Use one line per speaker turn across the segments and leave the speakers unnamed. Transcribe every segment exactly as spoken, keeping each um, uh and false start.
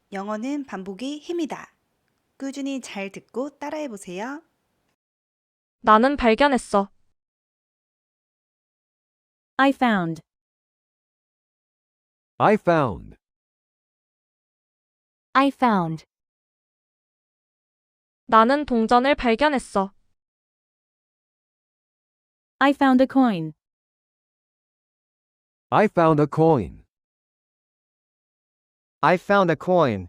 영어는 반복이 힘이다. 꾸준히 잘 듣고 따라해 보세요.
나는 발견했어.
I found.
I found.
I found.
나는 동전을 발견했어.
I found a coin.
I found a coin.
I found a coin.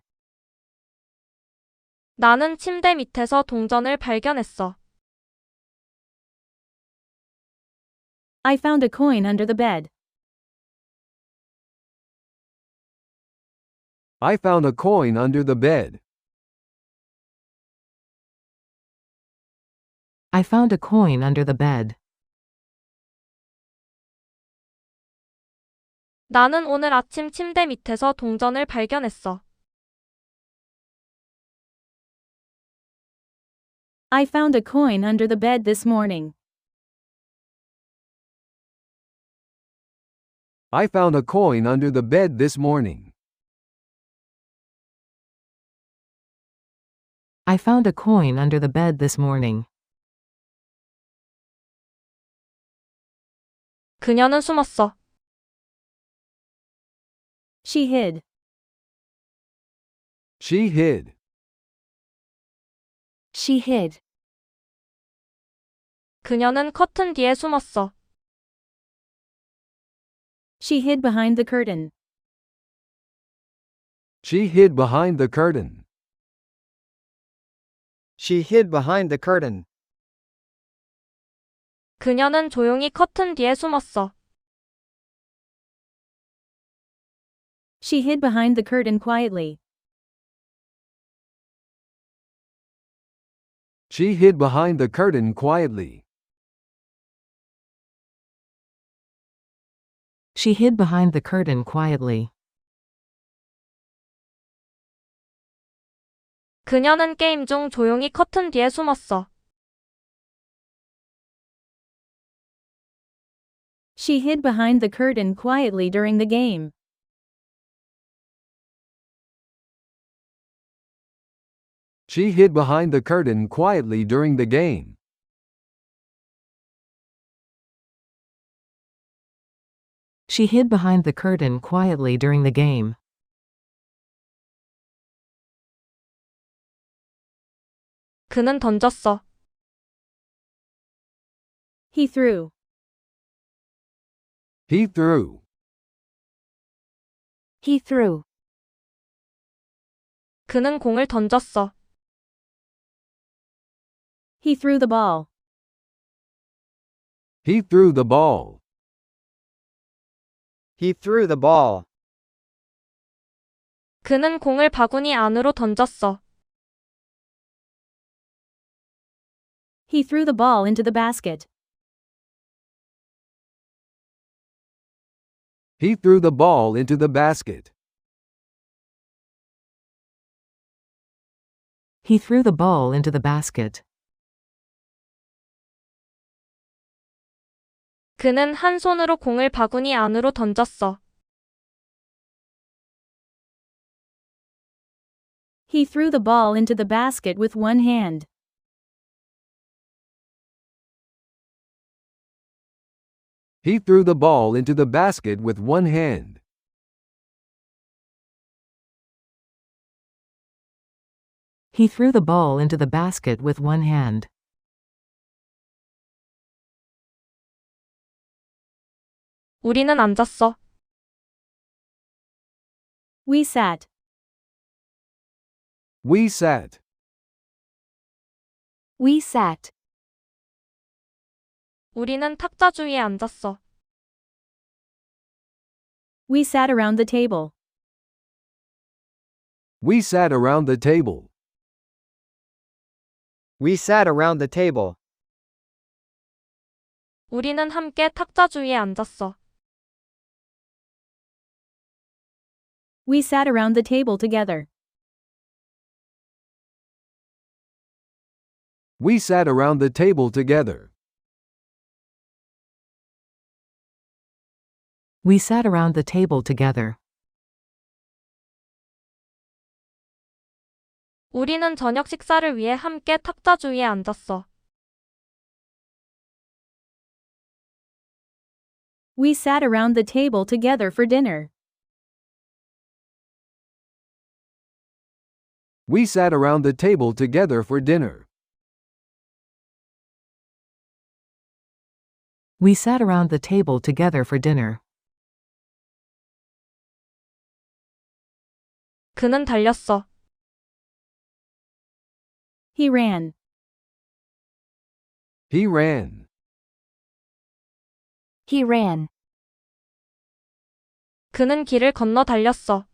나는 침대 밑에서 동전을 발견했어.
I found a coin under the bed.
I found a coin under the bed.
I found a coin under the bed.
나는 오늘 아침 침대 밑에서 동전을 발견했어.
I found a coin under the bed this morning.
I found a coin under the bed this morning.
I found a coin under the bed this morning.
그녀는 숨었어.
She hid.
She hid.
She hid.
그녀는 커튼 뒤에 숨었어.
She hid behind the curtain.
She hid behind the curtain.
She hid behind the curtain.
그녀는 조용히 커튼 뒤에 숨었어.
She hid behind the curtain quietly.
She hid behind the curtain quietly.
She hid behind the curtain quietly.
그녀는 게임 중 조용히 커튼 뒤에 숨었어.
She hid behind the curtain quietly during the game.
She hid behind the curtain quietly during the game.
She hid behind the curtain quietly during the game.
그는 던졌어.
He threw.
He threw.
He threw.
그는 공을 던졌어.
He threw the ball.
He threw the ball.
He threw the ball.
그는 공을 바구니 안으로 던졌어.
He threw the ball into the basket.
He threw the ball into the basket.
He threw the ball into the basket.
그는 한 손으로 공을 바구니 안으로 던졌어.
He threw the ball into the basket with one hand.
He threw the ball into the basket with one hand.
He threw the ball into the basket with one hand.
우리는 앉았어.
We sat.
We sat.
We sat.
우리는 탁자 주위에 앉았어.
We sat around the table.
We sat around the table.
We sat around the table.
우리는 함께 탁자 주위에 앉았어.
We sat around the table together.
We sat around the table together.
We sat around the table together.
우리는 저녁 식사를 위해 함께 탁자 주위에 앉았어.
We sat around the table together for dinner.
We sat around the table together for dinner.
We sat around the table together for dinner.
그는 달렸어.
He ran.
He ran.
He ran.
그는 길을 건너 달렸어.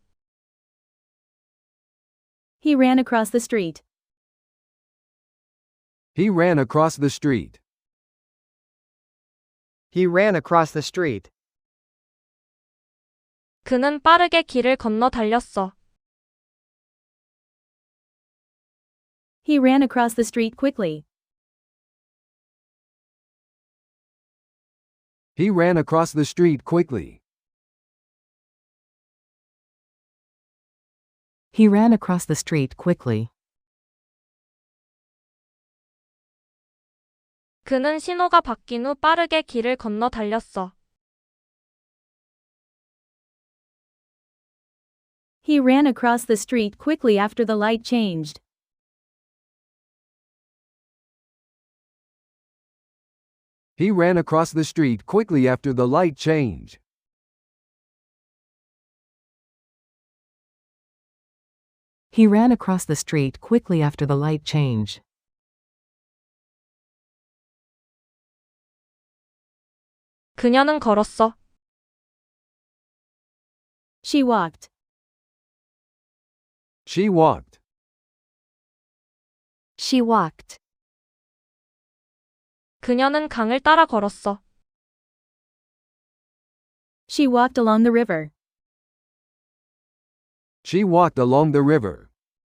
He ran across the street.
He ran across the street.
He ran across the street.
그는 빠르게 길을 건너 달렸어.
He ran across the street quickly.
He ran across the street quickly.
He ran across the street quickly.
그는 신호가 바뀐 후 빠르게 길을 건너 달렸어.
He ran across the street quickly after the light changed.
He ran across the street quickly after the light change.
He ran across the street quickly after the light change.
그녀는 걸었어.
She walked.
She walked.
She walked.
그녀는 강을 따라 걸었어.
She walked along the river.
She walked along the river.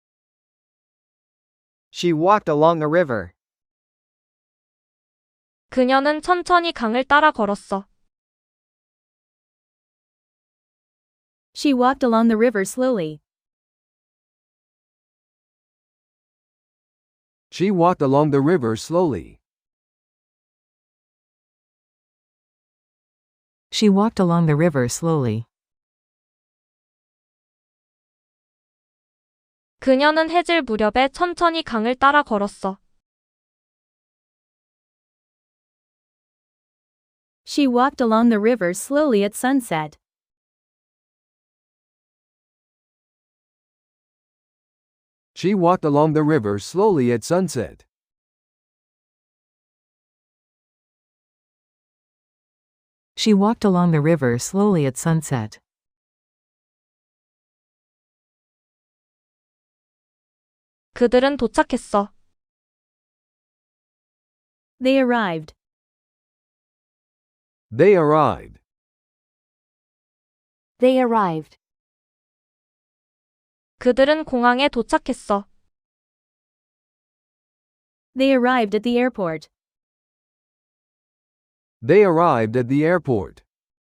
She walked along the river.
그녀는 천천히 강을 따라 걸었어.
She walked along the river slowly.
She walked along the river slowly.
She walked along the river slowly.
그녀는 해질 무렵에 천천히 강을 따라 걸었어.
She walked along the river slowly at sunset.
She walked along the river slowly at sunset.
She walked along the river slowly at sunset.
그들은 도착했어.
They arrived.
They arrived.
They arrived.
그들은 공항에 도착했어.
They arrived at the airport.
They arrived at the airport.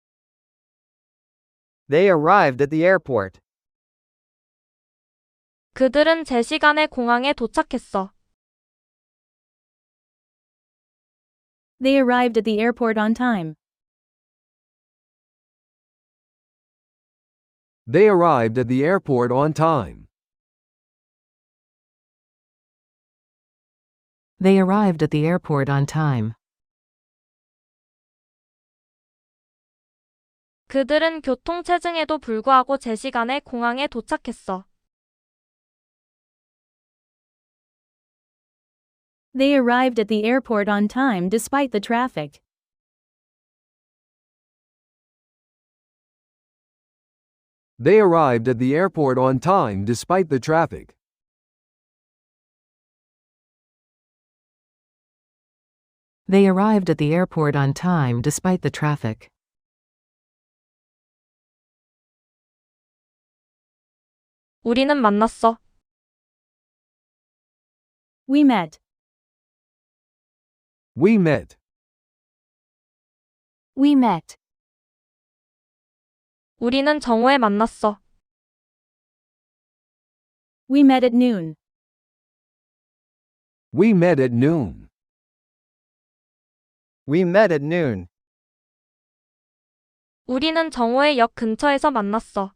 They arrived at the airport.
그들은 제 시간에 공항에 도착했어.
They arrived at the airport on time.
They arrived at the airport on time.
They arrived at the airport on time.
그들은 교통체증에도 불구하고 제 시간에 공항에 도착했어.
They arrived at the airport on time despite the traffic.
They arrived at the airport on time despite the traffic.
They arrived at the airport on time despite the traffic.
우리는 만났어.
We met.
We met.
We met.
우리는 정오에 만났어.
We met at noon.
We met at noon.
We met at noon.
우리는 정오의 역 근처에서 만났어.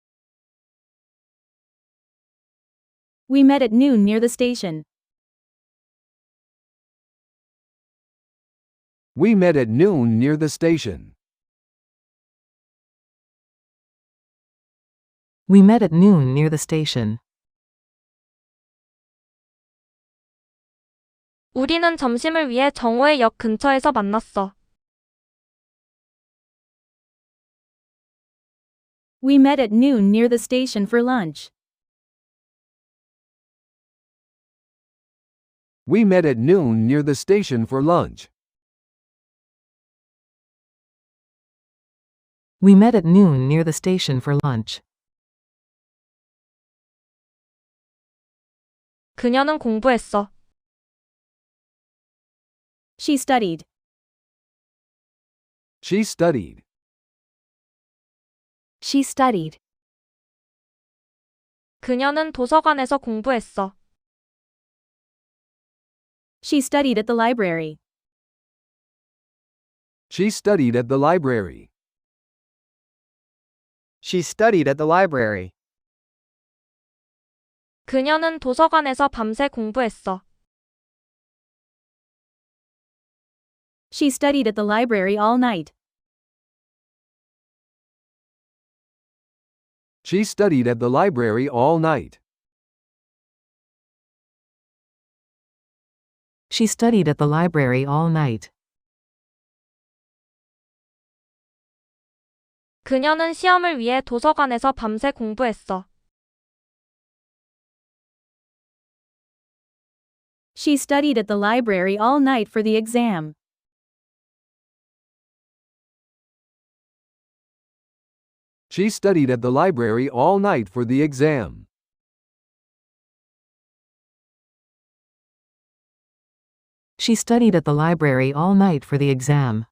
We met at noon near the station.
We met at noon near the station.
We met at noon near the station.
우리는 점심을 위해 정오의 역 근처에서 만났어.
We met at noon near the station for lunch.
We met at noon near the station for lunch.
We met at noon near the station for lunch.
그녀는 공부했어.
She studied.
She studied.
She studied.
그녀는 도서관에서 공부했어.
She studied at the library.
She studied at the library.
She studied at the library.
그녀는 도서관에서 밤새 공부했어.
She studied at the library all night.
She studied at the library all night.
She studied at the library all night.
그녀는 시험을 위해 도서관에서 밤새 공부했어.
She studied at the library all night for the exam.
She studied at the library all night for the exam.
She studied at the library all night for the exam.